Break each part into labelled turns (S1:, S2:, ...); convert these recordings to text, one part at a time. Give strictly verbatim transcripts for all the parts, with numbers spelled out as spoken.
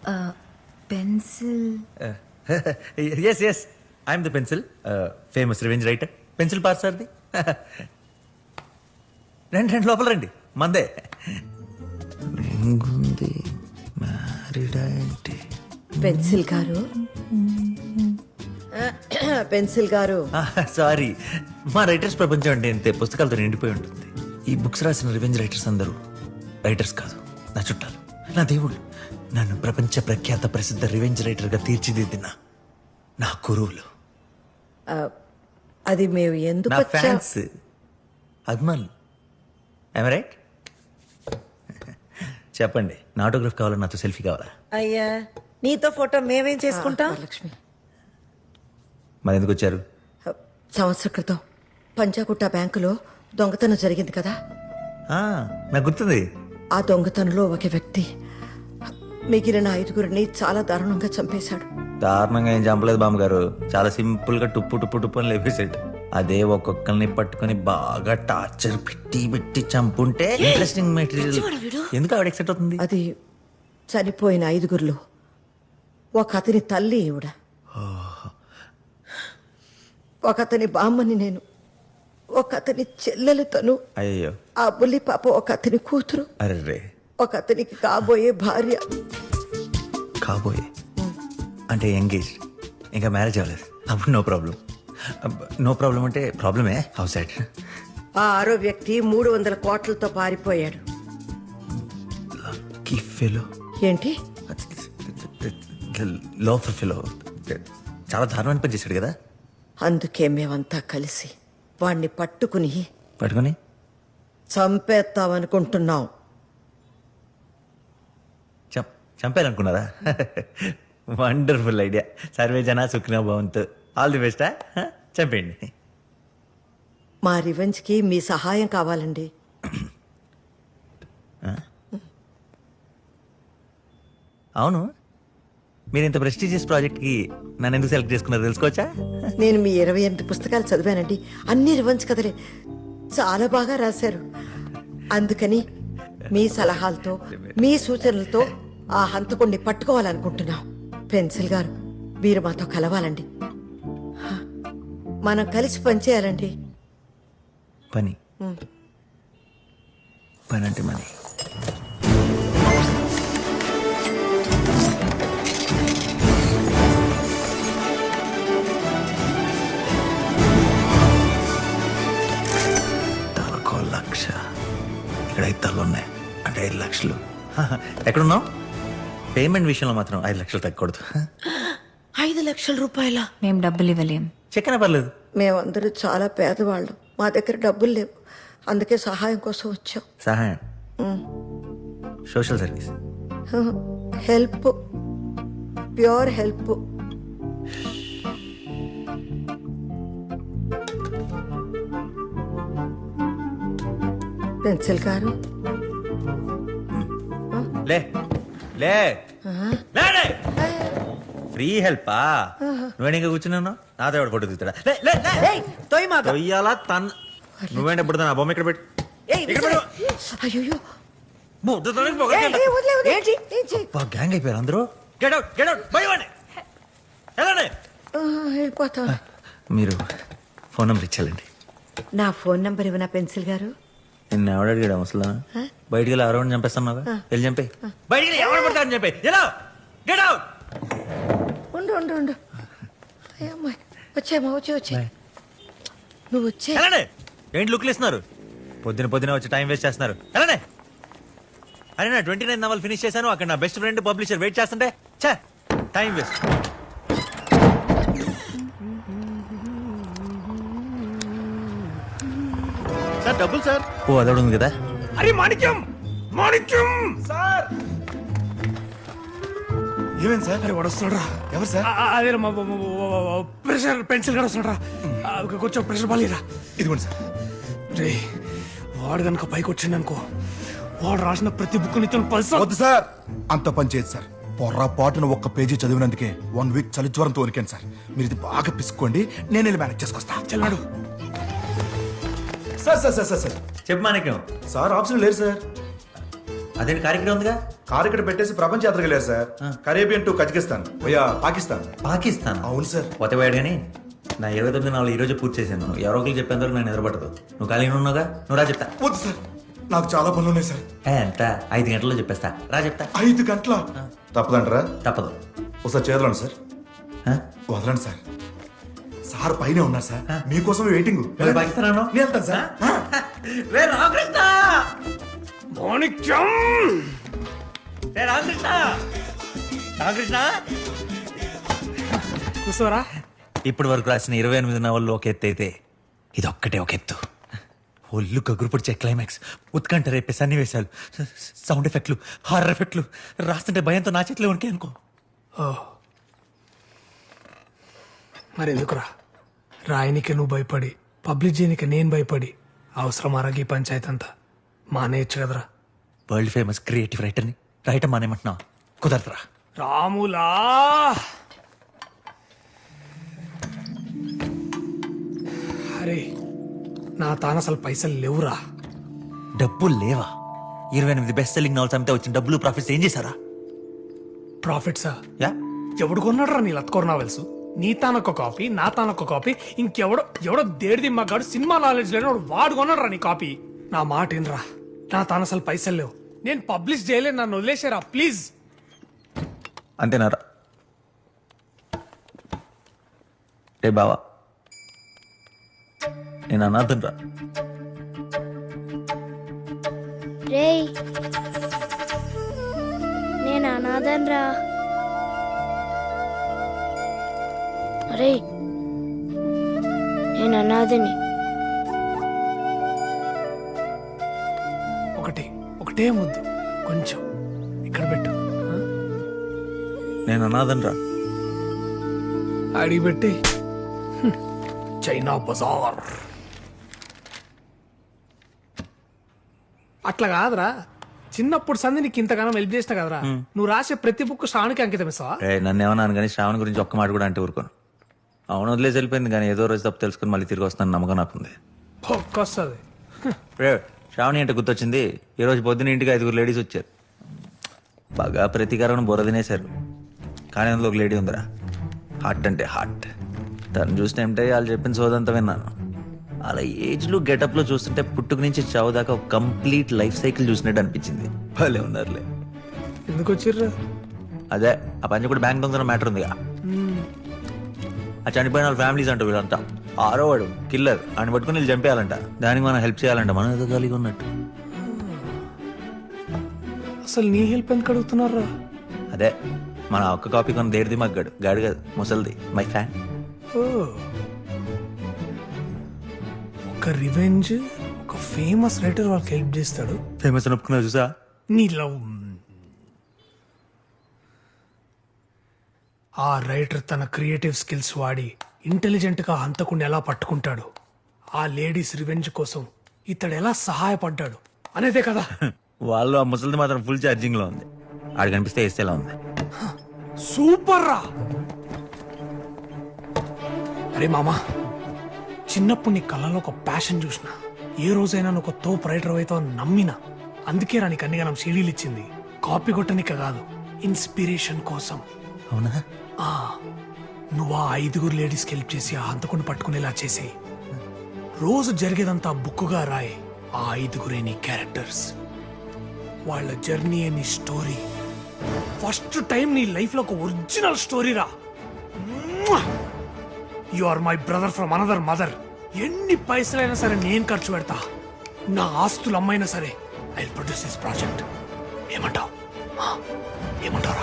S1: Pencil.
S2: Yes yes I'm the pencil, famous revenge writer. Pencil పార్ సార్ది. రండి రండి లోపల రండి, మందే. రింగుంది, మ్యారీడా ఏంటి?
S3: పెన్సిల్ గారు, పెన్సిల్ గారు.
S2: సారీ, మా రైటర్స్ ప్రపంచం అంటే ఇంతే, పుస్తకాలతో నిండిపోయి ఉంటుంది. ఈ బుక్స్ రాసిన రివెంజ్ రైటర్స్ అందరూ రైటర్స్ కాదు, నా చుట్టాలు, నా దేవుళ్ళు. నన్ను ప్రపంచ ప్రఖ్యాత ప్రసిద్ధ రివెంజ్ రైటర్ గా తీర్చిదిద్దిన నా గురువులు.
S3: అది మేము ఎందుకు
S2: నా
S3: వచ్చా-
S2: ఫ్యాన్స్, అభిమానులు. I'm right? చెప్పండి, నా ఆటోగ్రాఫ్ కావాలా, నాతో సెల్ఫీ కావాలా?
S3: అయ్యా, నీతో ఫోటో మేమేం చేసుకుంటాం? లక్ష్మి,
S2: మరి ఎందుకు వచ్చారు?
S3: సంవత్సర క్రితం పంజాగుట్ట బ్యాంకులో దొంగతనం జరిగింది కదా.
S2: ఆ, నాకు గుర్తుంది.
S3: ఆ దొంగతనంలో ఒక వ్యక్తి మిగిలిన ఐదుగురిని చాలా దారుణంగా చంపేశాడు.
S2: దారుణంగా ఏం చంపలేదు బామ్మగారు, చాలా సింపుల్ గా టుప్పు టుప్పు టుప్పు అని లేపేసాడు. అదే ఒక్కొక్కరిని పట్టుకుని బాగా టార్చర్ పెట్టి పెట్టి చంపుంటే ఇంట్రెస్టింగ్ మెటీరియల్. ఎందుకు ఆవిడ ఎక్సైట్ అవుతుంది?
S3: అది చనిపోయిన ఐదుగురిలో ఒక అతని తల్లి ఈవిడ, ఒక అతని బామ్మని నేను, ఒక అతని చెల్లెలు తను,
S2: అయ్యో
S3: ఆ బుల్లి పాప ఒక అతని కూతురు,
S2: అర్రే
S3: ఒక అతనికి కాబోయే భార్య.
S2: కాబోయే అంటే ఎంగేజ్, ఇంకా మ్యారేజ్ అవ్వలేదు. అప్పుడు నో ప్రాబ్లం. నో ప్రాబ్లం అంటే ప్రాబ్లమే. హౌస్ సైడ్
S3: ఆ ఆరో వ్యక్తి మూడు వందల కోట్లతో పారిపోయాడు.
S2: Lucky fellow.
S3: ఏంటి?
S2: Loafer fellow. చాలా దారుణమైన పని చేశాడు కదా.
S3: అందుకే మేమంతా కలిసి వాణ్ణి పట్టుకుని
S2: పట్టుకొని
S3: చంపేస్తామనుకుంటున్నాం.
S2: చం- చంపాలనుకున్నారా? Wonderful idea. సర్వే జన సుఖినో భవంతు. All the best. చంపేయండి.
S3: మా రివెంజ్ కి మీ సహాయం కావాలండి.
S2: అవును, మీరు ఇంత ప్రెస్టీజియస్ ప్రాజెక్ట్ కి నన్ను ఎందుకు సెలెక్ట్ చేసుకున్నారో తెలుసుకోవచ్చా?
S3: నేను మీ ఇరవై ఎనిమిది పుస్తకాలు చదివానండి. అన్ని రివెంజ్ కథలే, చాలా బాగా రాశారు. అందుకని మీ సలహాలతో, మీ సూచనలతో ఆ హంతకుణ్ణి పట్టుకోవాలనుకుంటున్నాం. పెన్సిల్ గారు, మీరు మాతో కలవాలండి. మనం కలిసి పనిచేయాలండి.
S2: పని పని అంటే మనీ. తలకో లక్ష, ఇక్కడ ఐదు తలలు ఉన్నాయి అంటే ఐదు లక్షలు. ఎక్కడున్నావు? పేమెంట్ విషయంలో మాత్రం ఐదు లక్షలు తగ్గకూడదు.
S3: ఐదు లక్షల రూపాయల?
S1: మేం డబ్బులు ఇవ్వలేం.
S2: చెక్కన పర్లేదు.
S3: మేమందరూ చాలా పేదవాళ్ళం, మా దగ్గర డబ్బులు లేవు. అందుకే సహాయం కోసం వచ్చాం.
S2: సహాయం? Social service?
S3: Help, pure help. Pencil గారు,
S2: లే లే లే, లే. ఫ్రీ హెల్పా? నువ్వేనా ఇంకా కూర్చున్నావు? నాతో ఎవడు ఫోటో తీస్తాడా? లే, లే, లే. తొయ్యాలా తన్. నువ్వేంటి ఎప్పుడు నా బొమ్మ ఇక్కడ పెట్టు. ఇక్కడ పెట్టు.
S3: అయ్యో,
S2: బుద్ధతోనే పొగరు. గ్యాంగ్ అయిపోయారు అందరూ. గెట్ అవుట్, గెట్ అవుట్, బయవండి. వెళ్ళండి.
S3: వెళ్ళిపోతా.
S2: మీరు ఫోన్ నెంబర్ ఇచ్చాలండి.
S3: నా ఫోన్ నంబర్ ఇవ్వనా పెన్సిల్ గారు?
S2: నిన్ను ఎవడు అడిగాడు అసలు? బయటికి వెళ్ళి ఎవరైనా చంపేస్తున్నావా? వెళ్ళి చంపే. బయటికి వెళ్ళి ఎవరు పడతారని చెప్పి. ఎలా? Get out.
S3: ఉండు ఉండు ఉండు. అమ్మాయి వచ్చామా? వచ్చి వచ్చి నువ్వు వచ్చే.
S2: వెళ్ళండి. ఏంటి లుక్లు ఇస్తున్నారు? పొద్దున పొద్దున వచ్చి టైం వేస్ట్ చేస్తున్నారు. వెళ్ళండి. అరే నా ట్వంటీ నైన్ నవల్ ఫినిష్ చేశాను. అక్కడ నా బెస్ట్ ఫ్రెండ్ పబ్లిషర్ వెయిట్ చేస్తుంటే చా టైం వేస్ట్.
S4: సార్ డబ్బులు సార్.
S2: ఓ అదొకటి ఉంది కదా.
S4: అరే మాణిక్యం, మాణిక్యం సార్.
S5: ఏమేం సార్?
S4: అరే వాడు వస్తున్నాడు.
S5: ఎవరు సార్?
S4: అదే ప్రెషర్ పెన్సిల్ కూడా వస్తున్నాడు. కొంచెం ప్రెషర్ బాలేరా.
S5: ఇదిగోండి సార్.
S4: రే వాడు కనుక పైకి వచ్చిండు అనుకో, వాడు రాసిన ప్రతి బుక్ నిత్యం పల్స్.
S5: వద్దు సార్, అంత పని చేయదు సార్. పొర్రాపాటున ఒక్క పేజీ చదివినందుకే వన్ వీక్ చలి జ్వరంతో వణికాను సార్. మీరు ఇది బాగా పిసుకోండి, నేను వెళ్ళి మేనేజ్ చేసుకొస్తా.
S4: చల్లాడు.
S5: Sir sir sir sir sir
S2: చెప్పు మాణిక్యం.
S5: సార్ ఆప్షన్ లేరు సార్.
S2: అదేంటి కార్యక్రమం ఉందిగా.
S5: కారు ఇక్కడ పెట్టేసి ప్రపంచ యాత్రకు వెళ్ళారు సార్. కరేబియన్ టు కజకిస్తాన్ పోయా పాకిస్తాన్.
S2: పాకిస్తాన్
S5: అవును సార్.
S2: పోతేవాడు కానీ నా ఇరవై తొమ్మిది నాలుగు ఈ రోజు పూర్తి చేశాను. ఎవరో ఒకరు చెప్పేందుకు నేను నిద్రపడదు. నువ్వు ఖాళీ ఉన్నావుగా, నువ్వు రా చెప్తా.
S5: వద్దు సార్, నాకు చాలా పనులు ఉన్నాయి సార్.
S2: ఏ ఎంత ఐదు గంటల్లో చెప్పేస్తా, రా చెప్తా.
S5: ఐదు గంటల తప్పదంటారా?
S2: తప్పదు.
S5: ఒకసారి చేదలండి సార్.
S2: ఆ?
S5: వదలండి సార్. సార్ పైన ఉన్నారు సార్, మీకోసం వెయిటింగ్.
S2: వెళ్ళి పాకిస్తాన్ అన్నావు?
S5: నేను వెళ్తాను సార్.
S2: రే రామకృష్ణ!
S4: మాణిక్యం
S2: రే రామకృష్ణ! రామకృష్ణ!
S4: కూర్చోరా.
S2: ఇప్పటి వరకు రాసిన ఇరవై ఎనిమిది నవల్లో ఒక ఎత్తు అయితే ఇది ఒక్కటే ఒక ఎత్తు. ఒళ్ళు గగురు పొడిచే క్లైమాక్స్, ఉత్కంఠ రేపే సన్నివేశాలు, సౌండ్ ఎఫెక్ట్లు, హారర్ ఎఫెక్ట్లు రాస్తుంటే భయంతో నా చేతిలో ఉనికే అనుకో.
S4: ఓ మరి ఎందుకురా రాయనికి నువ్వు భయపడి పబ్లిక్ చేయనికి నేను భయపడి అవసరం అరగి పంచాయతీ అంతా మానేయచ్చు కదరా.
S2: వరల్డ్ ఫేమస్ క్రియేటివ్ రైటర్ని రైటర్ మానేమంటున్నా? కుదరదురా.
S4: రాములా అరే నా తాన అసలు పైసలు లేవురా.
S2: డబ్బులు లేవా? ఇరవై ఎనిమిది బెస్ట్ సెల్లింగ్ నవల్స్ అమ్మితే వచ్చిన డబ్బులు ప్రాఫిట్స్ ఏం చేశారా?
S4: ప్రాఫిట్సా?
S2: యా
S4: ఎవడు కొన్నాడు రా నీ లత్కోర్ నావెల్స్? నీ తానొక్క కాపీ, నా తానొక్క కాపీ, ఇంకెవడో ఎవడో దేడిది మగాడు సినిమా నాలెడ్జ్ లేని వాడు వాడు కొన్నాడు రా నీ కాపీ. నా మాట ఏంట్రా, నా తాను అసలు పైసలు లేవు, నేను పబ్లిష్ చేయలేదు, నన్ను వదిలేసారా ప్లీజ్.
S2: అంతేనారా? రే బావా, నేను అనాథన్ రా.
S1: రేయ్ నేను అనాథన్ రా. అరే నేను అనాథని.
S4: ఒకటి ఒకటే ముద్దు కొంచెం ఇక్కడ పెట్టు. ఆ?
S2: నేను అనాథన్ రా.
S4: అడిగి పెట్టి హ్మ్. చైనా బజార్ అట్లా కాదురా. చిన్నప్పుడు సంధి నీకు ఇంతగానో హెల్ప్ చేసిన కదరా. నువ్వు రాసే ప్రతి బుక్ శ్రావణికి అంకితం ఇస్తావా?
S2: రే నన్ను ఏమన్నాను కానీ శ్రావణ్ గురించి ఒక్క మాట కూడా అంటే ఊరుకోను. అవును వదిలేసి వెళ్ళిపోయింది కానీ ఏదో రోజు తప్పు తెలుసుకుని మళ్ళీ తిరిగి వస్తాను నమ్మకం నాకుంది.
S4: ఒక్కొస్తుంది.
S2: రే శ్రావణి అంటే గుర్తొచ్చింది. ఈ రోజు పొద్దున ఇంటికి ఐదుగురు లేడీస్ వచ్చారు. బాగా ప్రతీకారం బుర్ర తినేశారు. కానీ అందులో ఒక లేడీ ఉందిరా, హార్ట్ అంటే హార్ట్. తను చూసిన ఏమిటో వాళ్ళు చెప్పిన సోదంతా విన్నాను. అలా ఏజ్లో గెటప్లో చూస్తుంటే పుట్టుక నుంచి చావు దాకా ఒక కంప్లీట్ లైఫ్ సైకిల్ చూసినట్టు అనిపించింది. భలే ఉన్నారులే.
S4: ఎందుకు వచ్చిర్రా?
S2: అదే ఆ పంచి కూడా బ్యాంక్ దొంగ మ్యాటర్ ఉందిగా. ఆ చనిపోయిన వాళ్ళ ఫ్యామిలీస్ అంటారు వీళ్ళంతా. ఆరో వాడు కిల్లర్ అని పట్టుకుని వీళ్ళు చంపేయాలంట. దానికి మనం హెల్ప్ చేయాలంట. మనం ఏదో ఖాళీగా ఉన్నట్టు.
S4: అసలు నీ హెల్ప్ ఎందుకు అడుగుతున్నారా?
S2: అదే మన ఒక్క కాపీ కొన్న దేడిది మగ్గాడు గాడు కాదు ముసలిది మై ఫ్యాన్.
S4: ఓ ఒక రివెంజ్, ఒక ఫేమస్ రైటర్ వాళ్ళకి హెల్ప్ చేస్తాడు.
S2: ఫేమస్ అని ఒప్పుకున్నా చూసా.
S4: నీ లవ్ ఆ రైటర్ తన క్రియేటివ్ స్కిల్స్ వాడి ఇంటెలిజెంట్ గా హంతకుండా ఎలా పట్టుకుంటాడు, ఆ లేడీస్ రివెంజ్ కోసం ఇతడు ఎలా సహాయపడ్డాడు అనేదే కదా.
S2: వాళ్ళు ఆ ముసలిది మాత్రం ఫుల్ ఛార్జింగ్ లో ఉంది. ఆడు కనిపిస్తే వేస్తేలా ఉంది.
S4: సూపర్ రా. అరే మామా, చిన్నప్పుడు నీ కళ్ళలో ఒక ప్యాషన్ చూసిన, ఏ రోజైనా నువ్వు ఒక తోపు రైటర్ అవుతావు అని నమ్మినా. అందుకే రా నీకు అన్ని గనం సీడీలు ఇచ్చింది. కాపీ కొట్టనిక కాదు, ఇన్స్పిరేషన్ కోసం.
S2: అవునా?
S4: ఆ నువ్వు ఆ ఐదుగురు లేడీస్కి హెల్ప్ చేసి ఆ హంతకుండా పట్టుకునేలా చేసి రోజు జరిగేదంతా బుక్కుగా రాయి. ఆ ఐదుగురే నీ క్యారెక్టర్స్, వాళ్ళ జర్నీ నీ స్టోరీ. ఫస్ట్ టైం నీ లైఫ్ లో ఒక ఒరిజినల్ స్టోరీ రా. You are my brother from another mother. ఎన్ని పైసలైనా సరే నేను ఖర్చు పెడతా. నా ఆస్తులు అమ్మైనా సరే I will produce this project. ఏమంటావు? ఏమంటారా?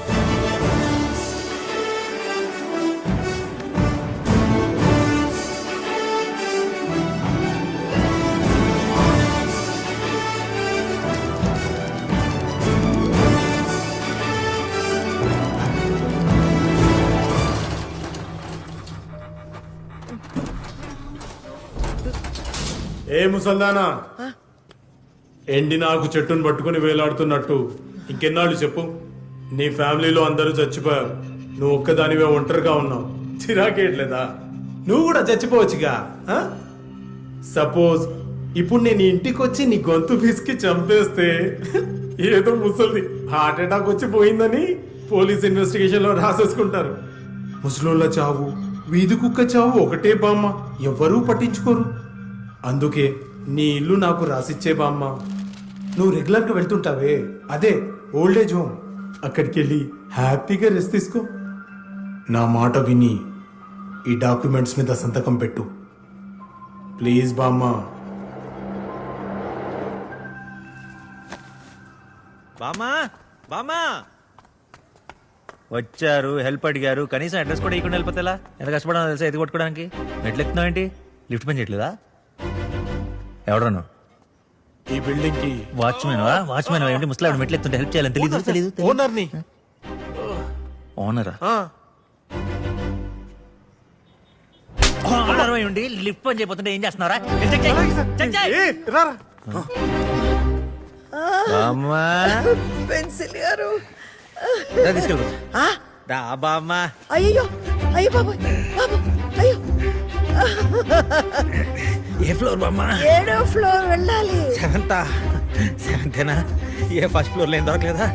S6: ఏ ముసల్దానా, ఎండి నాకు చెట్టును పట్టుకుని వేలాడుతున్నట్టు ఇంకెన్నాళ్ళు చెప్పు. నీ ఫ్యామిలీలో అందరూ చచ్చిపోయారు, నువ్వు ఒక్కదానివే ఒంటరిగా ఉన్నావు. చిరాకేయట్లేదా? నువ్వు కూడా చచ్చిపోవచ్చుగా. సపోజ్ ఇప్పుడు నేను ఇంటికి వచ్చి నీ గొంతు పిసికి చంపేస్తే ఏదో ముసలిది హార్ట్ అటాక్ వచ్చి పోయిందని పోలీస్ ఇన్వెస్టిగేషన్ లో రాసేసుకుంటారు. ముసలోళ్ళ చావు వీధి కుక్క చావు ఒకటే బామ్మ, ఎవ్వరూ పట్టించుకోరు. అందుకే నీ ఇల్లు నాకు రాసిచ్చే బామ్మ. నువ్వు రెగ్యులర్గా వెళ్తుంటావే, అదే ఓల్డ్ ఏజ్ హోమ్. అక్కడికి వెళ్ళి హ్యాపీగా రెస్ట్ తీసుకో. నా మాట విని ఈ డాక్యుమెంట్స్ మీద సంతకం పెట్టు ప్లీజ్ బామ్మ.
S2: బామా బామా వచ్చారు, హెల్ప్ అడిగారు, కనీసం అడ్రస్ కూడా ఇవ్వకుండా వెళ్ళిపోతే ఎలా? ఎంత కష్టపడాలో తెలుసా ఎత్తి కొట్టుకోవడానికి? మెట్లు ఎక్కుతున్నావు ఏంటి? లిఫ్ట్ పని చేయట్లేదా? ఎవడను?
S6: ఈ బిల్డింగ్ కి
S2: వాచ్మెన్ వాచ్మెన్ ఏంటి? ముసలాడు మెట్లు ఎత్తుంటే హెల్ప్ చేయాలని తెలీదు తెలీదు
S6: ఓనర్ని.
S2: ఓనరా? ఓనర్ ఉండి లిఫ్ట్ పని చేయబోతుంటే ఏం చేస్తున్నారా? చెక్ చెయ్, చెక్ చెయ్. బామ్మా
S3: పెన్సిల్ గారు
S2: రా తీసుకెళ్ళు.
S3: ఆ,
S2: రా బామ్మా.
S3: అయ్యో అయ్యో బాబు బాబు అయ్యో
S2: ఏ ఫ్లోర్ బామ్మా?
S3: ఏడో ఫ్లోర్ వెళ్ళాలి.
S2: సెవెంతా? సెవెంతేనా? ఏ ఫస్ట్ ఫ్లోర్ లో ఏం దొరకలేదా?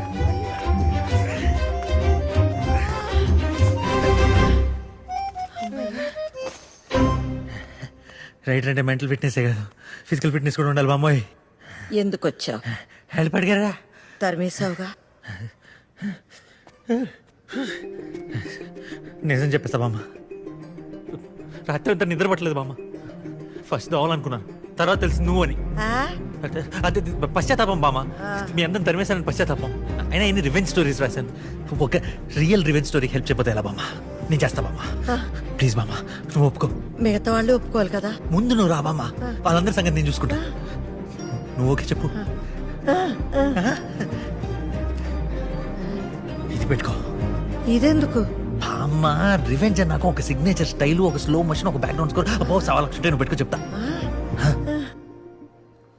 S2: రైట్ అంటే మెంటల్ ఫిట్నెస్ కదా, ఫిజికల్ ఫిట్నెస్ కూడా ఉండాలి బామ్మోయ్.
S3: ఎందుకు వచ్చావు?
S2: హెల్ప్ అడిగారా?
S3: తరిమేశావుగా.
S2: నిజం చెప్పేస్తా బామ్మ, రాత్రి అంతా నిద్ర పట్టలేదు బామ్మ. ఫస్ట్ దోవాలనుకున్నాను, తర్వాత తెలిసి నువ్వు అని.
S3: ఆ?
S2: అదే అదే పశ్చాత్తాపం బామ్మ. మీ అందరం తరిమేశానని పశ్చాత్తాపం. అయినా ఎన్ని రివెంజ్ స్టోరీస్ రాశాను, ఒక రియల్ రివెంజ్ స్టోరీకి హెల్ప్ చెప్పతే ఎలా బామ్మ? నేను చేస్తా బామ్మ, ప్లీజ్ బామ్మ నువ్వు ఒప్పుకో.
S3: మిగతా వాళ్ళు ఒప్పుకోవాలి కదా.
S2: ముందు నువ్వు రా బామ్మ, వాళ్ళందరి సంగతి నేను చూసుకుంటా. నువ్వు ఓకే చెప్పు. ఇది పెట్టుకో.
S3: ఇదెందుకు?
S2: బామ్మ రివెంజ్ అన్నాక ఒక సిగ్నేచర్ స్టైల్, ఒక స్లో మోషన్, ఒక బ్యాక్గ్రౌండ్ స్కోర్, అబ్బో సవా లక్ష నువ్వు పెట్టుకో చెప్తా.